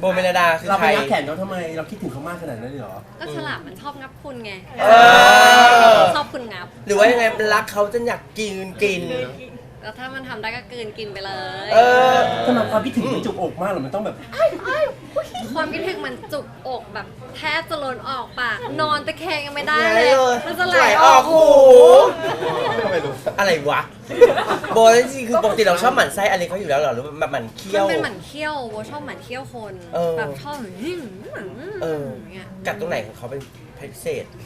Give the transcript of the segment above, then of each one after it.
โบเมลดาคือเราใคไปรงับแขนเขาทำไมเราคิดถึงเขามากขนาดนั้นเลยเหรอก็ฉลามมันชอบงับคุณไงอชอบคุณงับหรือว่ายังไงรักเขาจนอยากกินแล้วถ้ามันทำได้ก็กลืนกินไปเลยทำไมความคิดถึงมันจุกอกมากหรอมันต้องแบบความคิดถึงมันจุกอกแบบแทบจะล้นออกปากนอนตะแคงยังไม่ได้ไหลเลยเลยมันจะไหลไหลออออก กหูไม่รู้อะไรวะโบจริงๆคือปกติเราชอบหมั่นไส้อะไรเขาอยู่แล้วเหรอหรือแบบหมั่นเคี้มัยนวเป็นหมันเคี้ยวโบชอบหมันเคี้ยวคน แบบชอบอย่าง เงี้ยกัดตรงไหนของเขาเป็นพิเศษ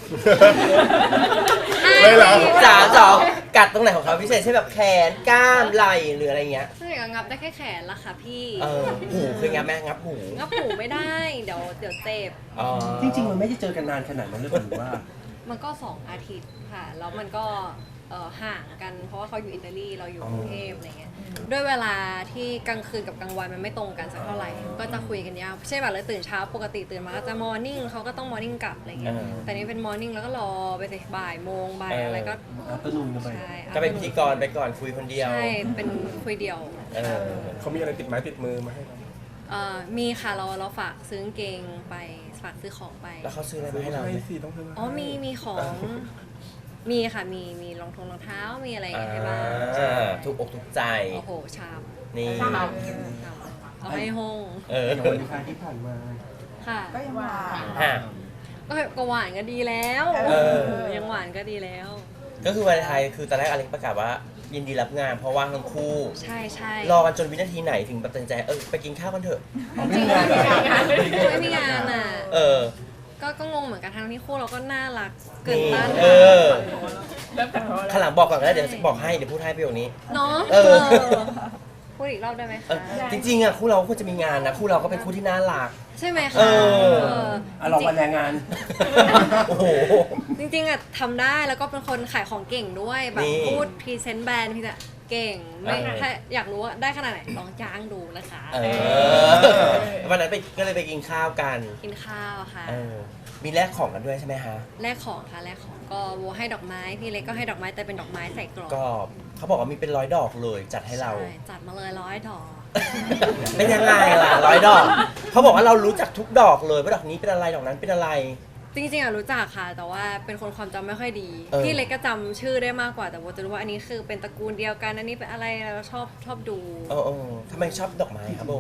ไม่เหรอจ๋ากัดตรงไหนของเขาพิเศษเช่นแบบแขนกล้ามไหล่หรืออะไรเงี้ยใช่ก็งับได้แค่แขนละค่ะพี่หูเคยงับแม่งับหูงับหูไม่ได้เดี๋ยวเจ็บจริงๆมันไม่ได้เจอกันนานขนาดนั้นเลยหรือว่ามันก็2 อาทิตย์ค่ะแล้วมันก็ห่างกันเพราะว่าเขาอยู่อิตาลีเราอยู่กรุงเทพอะไรเงี้ยด้วยเวลาที่กลางคืนกับกลางวันมันไม่ตรงกันสักเท่าไหร่ก็จะคุยกันยาวใช่แบบเลยตื่นเช้าปกติตื่นมาก็จะมอร์นิ่งเขาก็ต้องมอร์นิ่งกลับอะไรเงี้ยแต่นี่เป็นมอร์นิ่งแล้วก็รอไปสิบ่ายโมงบ่ายอะไรก็อัปนูนกันไปใช่ก็เป็นพิธีกรไปก่อนคุยคนเดียวใช่เป็นคุยเดียวเขามีอะไรติดไม้ติดมือมาให้เรามีค่ะเราฝากซื้อกางเกงไปฝากซื้อของไปแล้วเขาซื้ออะไรมาให้เราให้สิต้องซื้อมาอ๋อมีของมีค่ะมีรองเท้ามีอะไรอย่างเงี้ยให้บ้างถูกอกถูกใจโอ้โหชามนี่เอาให้ห้องอย่างวันคารที่ผ่านมาค่ะก็ยังหวานฮะก็หวานก็ดีแล้ว ยังหวานก็ดีแล้วก็คือวันไทยคือตอนแรกอเล็กประกาศว่ายินดีรับงานเพราะว่างทั้งคู่ใช่ใช่รอกันจนวินาทีไหนถึงตัดสินใจไปกินข้าวกันเถอะจริงๆไม่มีงานอ่ะ ก็งงเหมือนกันทั้งที่คู่เราก็น่ารักเกินต้านข้างหลังบอกก่อนก็ได้เดี๋ยวบอกให้เดี๋ยวพูดให้ประโยคนี้เนาะเออพูดอีกรอบได้ไหมเอคะอจริงๆอ่ะคู่เราควรจะมีงานนะคู่เราก็เป็นคู่ที่น่ารักใช่ไหมคะเออลองวันแรงงานโอ้โหจริงๆอ่ะทำได้แล้วก็เป็นคนขายของเก่งด้วยแบบนี่พูดพรีเซนต์แบรนด์พี่จะเก่งไม่เออถ้าอยากรู้ว่าได้ขนาดไหนลองจ้างดูนะคะวันนั้นก็เลยไปกินข้าวกันกินข้าวค่ะมีแลกของกันด้วยใช่ไหมฮะแลกของค่ะแลกของก็โวให้ดอกไม้พี่เล็กก็ให้ดอกไม้แต่เป็นดอกไม้ใส่กรอบก็เขาบอกว่ามีเป็น100 ดอกเลยจัดให้เราใช่จัดมาเลย100 ดอกเป็นยังไงล่ะ100 ดอกเขาบอกว่าเรารู้จักทุกดอกเลยว่าดอกนี้เป็นอะไรดอกนั้นเป็นอะไรจริงๆอะรู้จักค่ะ แต่ว่าเป็นคนความจำไม่ค่อยดีเออพี่เล็กก็จำชื่อได้มากกว่าแต่โบจะรู้ว่าอันนี้คือเป็นตระกูลเดียวกันอันนี้เป็นอะไรเราชอบดูทำไมชอบดอกไม้ครับโบ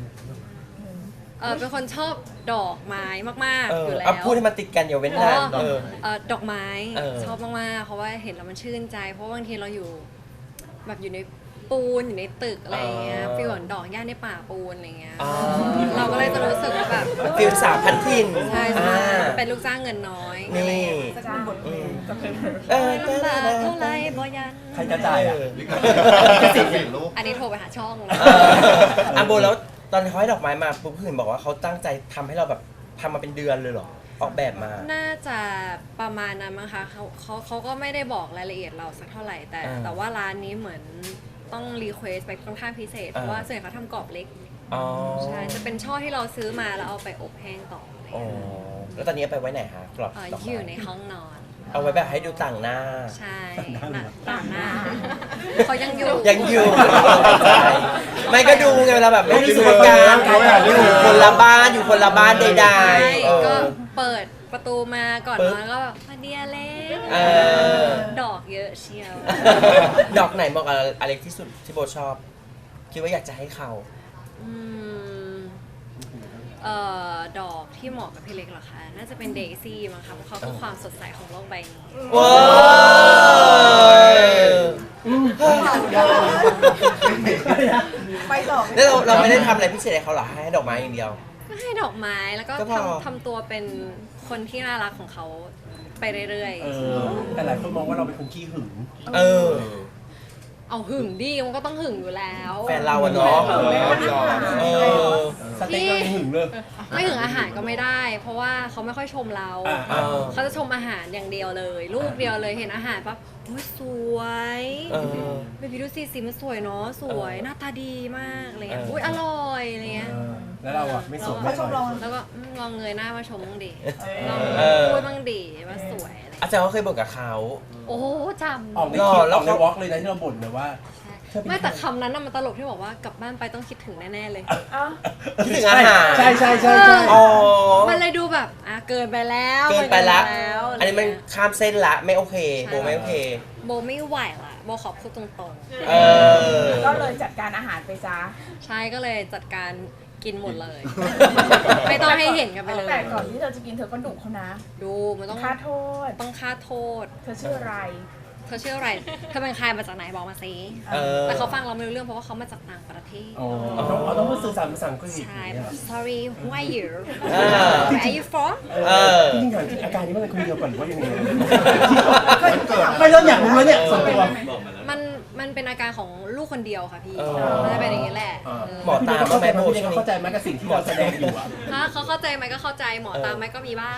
เป็นคนชอบดอกไม้มากๆอยู่แล้วเอาพูดให้มันติดกันอย่าเว้นนานดอกไม้เออชอบมากๆเพราะว่าเห็นแล้วมันชื่นใจ เพราะว่าบางทีเราอยู่แบบอยู่ในปูนอยู่ในตึกอะไรอย่างเงี้ยฟีลเหมือนดอกหญ้าในป่าปูนอะไรเงี้ยเราก็เลยจะรู้สึกว่าแบบฟิลสาวพันทินใช่ใช่เป็นลูกจ้างเงินน้อยนี่จะเป็นบทเพลงจะเป็นลำบากเท่าไรบ่ยันใครจะจ่ายอ่ะอันนี้โทรไปหาช่องนะอันโบแล้วตอนเขาให้ดอกไม้มาปุ๊บเห็นบอกว่าเขาตั้งใจทำให้เราแบบทำมาเป็นเดือนเลยเหรอออกแบบมาน่าจะประมาณนั้นมั้งคะเขาก็ไม่ได้บอกรายละเอียดเราสักเท่าไหร่แต่ว่าร้านนี้เหมือนต้องรีเควสไปค่อนข้างพิเศษเพราะว่าส่วนใหญ่เขาทำกรอบเล็กอ๋อใช่จะเป็นช่อที่เราซื้อมาแล้วเอาไปอบแห้งต่ออะไรอ๋อเงี้ยแล้วตอนนี้เอาไปไว้ไหนฮะกรอบดอกอยู่ไม้ในห้องนอนเอาไว้แบบให้ดูต่างหน้าใช่ต่างหน้าเขายังอยู่ยังอยู่ไม่ก็ดูไงเวลาแบบไม่มีสุขการอยู่คนละบ้านอยู่คนละบ้านใดใช่ๆก็เปิดประตูมาก่อนปึ๊บนอนก็แบบมาเดียเล็กอดอกเยอะเชียวดอกไหนเหมาะกับอเล็กที่สุดที่โบชอบ คิดว่าอยากจะให้เขาอืมดอกที่เหมาะกับพี่เล็กเหรอคะ น่าจะเป็นเดซี่มั้งคะเพราะเขาคือความสดใสของโลกใบนี้ว้าวไปต่อแล้วเราไม่ได้ทำอะไรพิเศษให้เขาเหรอให้ดอกไม้อย่างเดียวก็ให้ดอกไม้แล้วก็ก็พอทำตัวเป็นคนที่น่ารักของเขาไปเรื่อยแต่หลายคนมองว่าเราเป็นคนขี้หึงเออๆ เอาหึงดิมันก็ต้องหึงอยู่แล้วแฟนเราอะเนาะเออสเต็กก็ยังหึงเลยไม่หึงอาหารก็ไม่ได้ เพราะว่าเขาไม่ค่อยชมเรา เขาจะชมอาหารอย่างเดียวเลย ลูกเดียวเลยเห็นอาหารปั๊บโอ้ยสวย เบบี้ดูสิสีมันสวยเนาะสวยหน้าตาดีมากอะไรเงี้ยอุ้ยอร่อยอะไรเงี้ยแล้วเราอ่ะไม่สวยไม่เขาชมเราแล้วก็ลองเงยหน้ามาชมบ้างดิลองพูดบ้างดิว่าสวยอะไรอาจารย์เขาเคยบ่นกับเขาโอ้จำออกในคลิปออกในวอล์กเลยนะที่เราบ่นเลยว่าไม่แต่คำนั้นน่ะมันตลกที่บอกว่ากลับบ้านไปต้องคิดถึงแน่ๆเลยอ่ะคิดถึงอาหารใช่ใช่อ๋อมันเลยดูแบบเกินไปแล้วเกินไปละเกิแล้วอันนี้มันข้ามเส้นละไม่โอเคโบไม่โอเคโบไม่ไหวละโบขอพูดตรงเออก็เลยจัดการอาหารไปซะๆ ใช่ก็เลยจัดการกินหมดเลย ไม่ต้องให้เห็นกันไปเลยแต่ก่อนที่เธอจะกินเธอก็ดุเขานะดูมันต้องค่าโทษต้องค่าโทษเธอชื่ออะไรเธอชื่ออะไรเธอเป็นใครมาจากไหนบอกมาสิเออแต่เขาฟังเราไม่รู้เรื่องเพราะว่าเขามาจากต่างประเทศอ๋อต้องพูดสื่อสารภาษาอังกฤษใช่ sorry who are you เออ where are you from เออจริงๆถามจริงอาการนี้มันเป็นคนเดียวก่อนหรือว่ายังไงไม่เริ่มอยากรู้แล้วเนี่ยส่วนตัวมันเป็นอาการของลูกคนเดียวค่ะพี่เออมันจะเป็นอย่างนี้แหละหมอตามเข้าใจไหมโบพี่ช่วงนี้เข้าใจไหมกับสิ่งที่เราแสดงอยู่อะถ้าเขาเข้าใจไหมก็เข้าใจหมอตามไหมก็มีบ้าง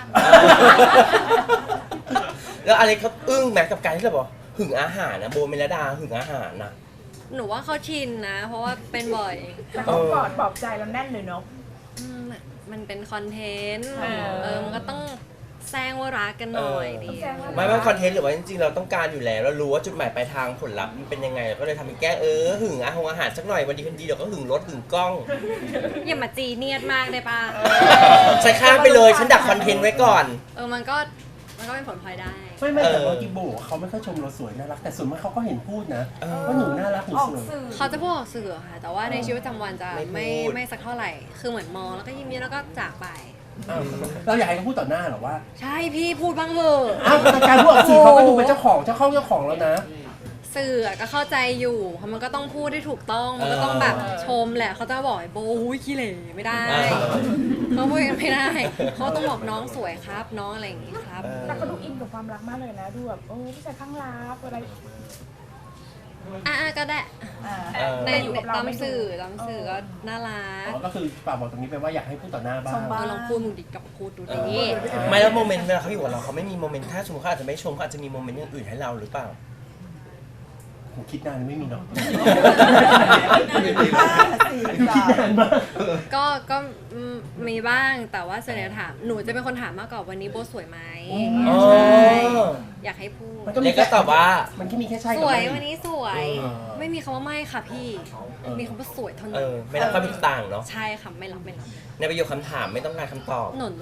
แล้วอะไรเขาอึ้งแม็กกับการที่เราบอกหึงอาหารนะโบเมลดาหึงอาหารนะหนูว่าเขาชินนะ เพราะว่าเป็นบ่อยแต่เขากอดปลอบใจเราแน่นเลยเนาะมันเป็นคอนเทนต์เออมันก็ต้องแซงว่ารักกันหน่อยดีแซงว่าไม่ว่าคอนเทนต์หรือว่าจริงๆเราต้องการอยู่แล้วเรารู้ว่าจุดหมายปลายทางผลลัพธ์มันเป็นยังไงเราก็เลยทำเป็นแก้หึงอาหารสักหน่อยวันดีคืนดีเดี๋ยวก็หึงรถหึงกล้องอย่ามาจีเนียดมากได้ปะใส่ข้ามไปเลยฉันดักคอนเทนต์ไว้ก่อนมันก็เป็นผลพลอยได้ไม่แต่ว่ากิโบเขาไม่ค่อยชมเราสวยน่ารักแต่ส่วนมากเขาก็เห็นพูดนะว่าหนูน่ารักหนูออกสวยสื่อเขาจะพูดออกสื่อค่ะ แต่ว่าในชีวิตประจำวันจะไม่ไม่พูดไม่สักเท่าไหร่ คือเหมือนมองแล้วก็ยิ้มๆแล้วก็จากไปเราอยากให้เขาพูดต่อหน้าหรอว่าใช่พี่พูดบ้างเถอะอ้าวแต่การพูดออกสื่อเขาก็ดูเป็นเจ้าของเจ้าของแล้วนะสื่อก็เข้าใจอยู่เพราะมันก็ต้องพูดได้ถูกต้อง มันก็ต้องแบบชมแหละเขาจะบอกไอ้โบหุ้ยขี้เหร่ไม่ได้เขาพูดกันไม่ได้เขาต้องบอกน้องสวยครับ น้องอะไรอย่างงี้ครับแต่เขาดูอินกับความรักมากเลยนะ ดูแบบผู้ชายข้างรักอะไรก็ได้ ในอยู่กับเราตามไม่ดูสื่อก็น่ารักก็คือฝากบอกตรงนี้ไปว่าอยากให้พูดต่อหน้าบ้างลองพูดมึงดิกับพูดดูดิไม่แล้วโมเมนต์เวลาเขาอยู่กับเราเขาไม่มีโมเมนต์ถ้าสมมติเขาอาจจะไม่ชมเขาอาจจะมีโมเมนต์อย่างอื่นให้เราหรือเปล่าผมคิดนานไม่มีเนาะสี่คิดนานมากก็มีบ้างแต่ว่าส่วนใหญ่ถามหนูจะเป็นคนถามมากกว่าวันนี้โบสวยไหมอ๋อใช่อยากให้พูดเล็กก็ตอบว่ามันแค่มีแค่ใช่สกับวยไม่วันนี้สวยเออไม่มีคำว่าไม่ค่ะพี่ มีคำว่าสวยเท่าเอนั้นอไม่รับความเห็นต่างเนาะใช่ค่ะไม่รับในประโยคคำถามไม่ต้องการคำตอบหนุน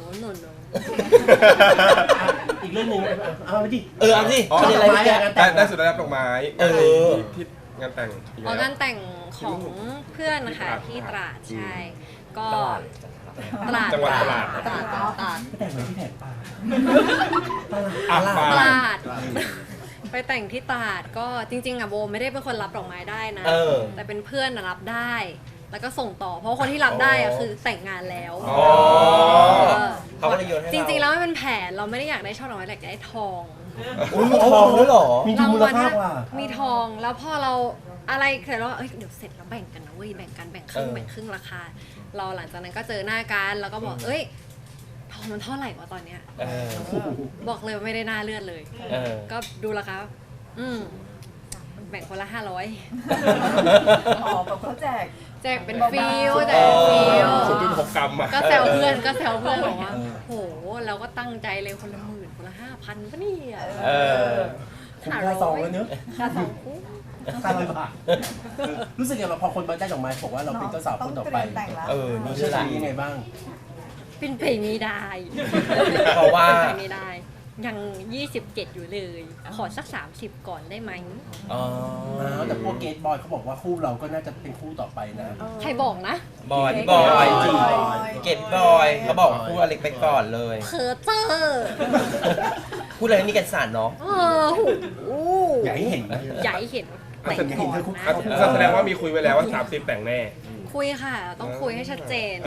อีกเรื่องหนึงเอาไปดิเอาสิประเด็นอะไรเมื่อกี้ได้สุดได้รับดอกไม้เออที่งานแต่งอีกออกแล้วงานแต่งของเพื่อนนะคะที่ตราดใช่ก็ตราดจังหวัดตราดตราดไม่แต่งเหมือนที่แผนปลาอ่ะตมาราดไปแต่งที่ตราดก็จริงๆอ่ะโบไม่ได้เป็นคนรับดอกไม้ได้นะเออแต่เป็นเพื่อนรับได้ แล้วก็ส่งต่อ เพราะว่าคนที่รับได้อะคือแต่งงานแล้วอ๋อเขาก็เลยโยนให้เราจริงๆแล้วมันเป็นแผนเราไม่ได้อยากได้ช่อดอกไม้แต่อยากได้ทองอุ้ยมีทองด้วยเหรอมีทุนมูลค่ากว่ามีทองแล้วพอเราอะไรเสร็จแล้วเดี๋ยวเสร็จแล้วแบ่งกันนะเว้ยแบ่งกันแบ่งครึ่งเออแบ่งครึ่งราคา เราหลังจากนั้นก็เจอหน้ากันแล้วก็บอกเอ้ยทองมันเท่าไหร่วะตอนเนี้ยเออบอกเลยว่าไม่ได้น่าเลือดเลยเออก็ดูราคาแบ่งคนละ500 อ๋อแบบเขาแจกแจกเป็นฟิลแจกเป็นฟิล 0.6 กรัมอ่ะก็แซวเพื่อนบอกว่าโหเราก็ตั้งใจเลยคนละ10,000คนละ5,000ปะเนี่ยเออคุ้มค่าซองแล้วเนอะค่าสองคู่ 500 บาทรู้สึกยังไงพอคนมาได้ดอกไม้บอกว่าเราเป็นเจ้าสาวคนต่อไปเออ นี่เชื่ใช่อแหละถือยังไงบ้างเป็นไปไม่ได้เพราะว่าเป็นไปไม่ได้ ยัง 27 อยู่เลย ขอสัก 30 ก่อนได้ไหมอ๋อแต่พวกเกตบอยเขาบอกว่าคู่เราก็น่าจะเป็นคู่ต่อไปนะใครบอกนะบอยพี่บอยจริงเกดบอยเขาบอกพูดอเล็กไปก่อนเลยเพอเจอร์พูดอะไรนี่กันสารเนาะโอ้อยากให้เห็นนะใหญ่เห็นแต่งอยากก่เห็อน นเธอคุกนะเข่าแสดงว่ามีคุยไว้แล้วว่า 30 แต่งแน่คุยค่ะ ต้องคุยให้ชัดเจนเอ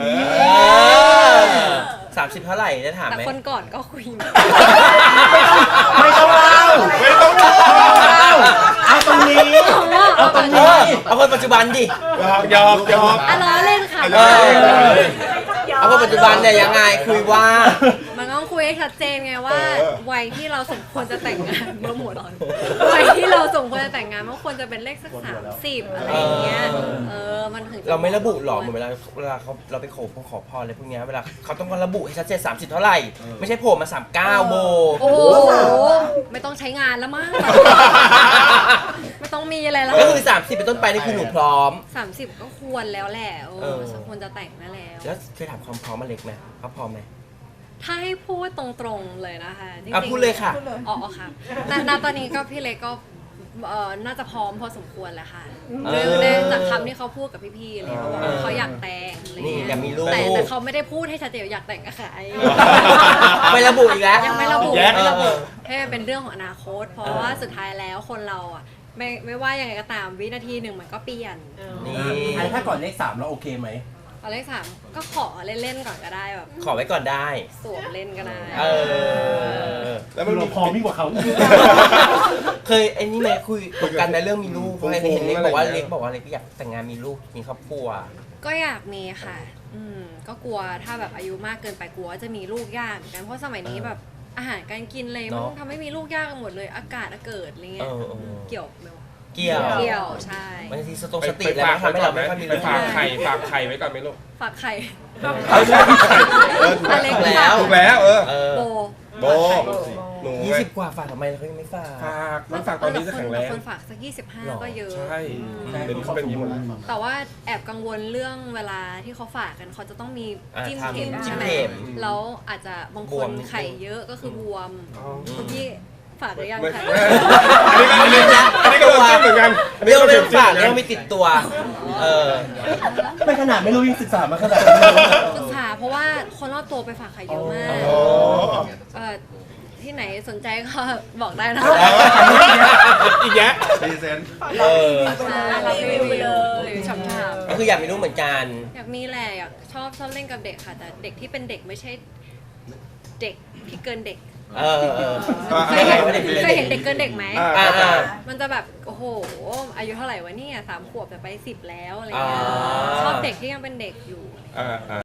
30 เท่าไหร่ได้ถามแต่ไหมคนก่อนก็คุยมาไม่ต้องเล่าไม่ต้องเล่าเอาตรงนี้ เอาตรงเอนี้อเอาคนปัจจุบันดิยอมล้อเล่นค่ะเออ เอาคนปัจจุบันเนี่ยยังไงคุยว่ามันต้องคุยให้ชัดเจนไงว่า วัยที่เราสมควรจะแต่งงานเมื่อหมดวัยที่เราสมควรจะแต่งงานมันควรจะเป็นเลขสัก30อะไรอย่างเงี้ยมันถึงจะเราไม่ระบุหรอกเหมือนเวลาเราไปขอพรอะไรพวกเนี้ยเวลาเขาต้องการระบุให้ชัดเจน30 เท่าไหร่ ไม่ใช่โผล่มา 39 โบโอ้โหไม่ต้องใช้งานแล้วมั้งต้องมีอะไรแล้วก็คือ30เป็นต้นไปนี่คือหนูพร้อม 30 ก็ควรแล้วแหละเออควรจะแต่งได้แล้วแล้วเคยถามความพร้อมมาเล็กไหมเขาพร้อมไหมถ้าให้พูดตรงๆเลยนะคะจริงอ่ะๆพูดเลยค่ะอ๋อค่ะณตอนนี้ก็พี่เล็กก็น่าจะพร้อมพอสมควรแหละค่ะเออเรื่องจากคำที่เขาพูดกับพี่ๆเลยเขาบอกว่าเขาอยากแต่งอะไรนี่เงี้ยอยากมีลูกแต่เขาไม่ได้พูดให้ชัดเจนว่าอยากแต่งกับใครไม่ระบุอีกแล้วยังไม่ระบุแยกไม่ระบุเออให้มันเป็นเรื่องของอนาคต เพราะว่าสุดท้ายแล้วคนเราอ่ะไม่ว่ายังไงก็ตามวินาทีหนึ่งมันก็เปลี่ยนนี่อันถ้าก่อนเลข3เราโอเคไหมตอนเลข3ก็ขอเล่นๆก่อนก็ได้แบบขอไว้ก่อนได้สวมเล่นก็ได้เออแล้วคืมันอมีเราพร้อมยิ่งกว่าเขาเคยไอ้นี่ไหมคุยตกกันในเรื่องมีลูกเพราะเห็นเล็กบอกว่าอะไรอย่างเงี้ยเล็กบอกว่าเล็กอยากแต่งงานมีลูกมีครอบครัวก็อยากมีค่ะ ก็กลัวถ้าแบบอายุมากเกินไปกลัวว่าจะมีลูกยากเหมือนกัน เพราะสมัยนี้แบบอาหารการกินเลยเนมันอะทำให้มีลูกยากกันหมดเลย อากาศเกิดอะไรเงี้ยเออเกี่ยวไหมวะเกี่ยวเกี่ยวใช่บางทีสไปติไปแล้วฝากมันทำให้ไว้ก่อเรานไหมไม่ค่อยมีไปลูกฝากไข่ไว้ก่อนไหมลูกฝากไข่เอาใช่ฝากไข่ถูกอเล็กแล้วถูกแล้วเออเออโบโบหนู 20 กว่าฝากทำไมเขายังไม่ฝากฝากมันฝากตอนนี้จะแข็งแรงคนฝากสักหรอ 25 ก็เยอะใช่อืมเดี๋ยวนี้เขาเป็นอย่างนี้หมดแล้วแต่ว่าแอบกังวลเรื่องเวลาที่เขาฝากกันเขาจะต้องมีจิ้มทำเข็มจิ้ใช่มไหมเข็มแล้วอาจจะบางบควมนไข่เยอะก็คือบวมอ๋อคุณพี่ฝากหรือยังไม่คะอันนี้ก็โดนจิ้มเหมือนกันอันนี้เรื่องก็โดเรื่อน งจิ้มฝากเหมือนเรื่กัอน งไม่ติดตัว เออไม่ขนาดไม่รู้ยังศึกษามาขนาดนี้ศึกษาเพราะว่าคนรอบตัวไปฝากไข่เยอะมากอ๋อที่ไหนสนใจก็บอกได้นะอีกแยะเออใช่รับรีวิวหรือชอบถามก็คืออยากมีลูกเหมือนกันอยากมีแหละอยากชอบเล่นกับเด็กค่ะ แต่เด็กที่เป็นเด็กไม่ใช่เด็กที่เกินเด็กเออเคยเห็นเคยเห็นเด็กเกินเด็กไหมอ่ามันจะแบบโอ้โหอายุเท่าไหร่วะเนี่ย3 ขวบแต่ไป10 แล้วอะไรเงี้ยอ๋อชอบเด็กที่ยังเป็นเด็กอยู่อ่า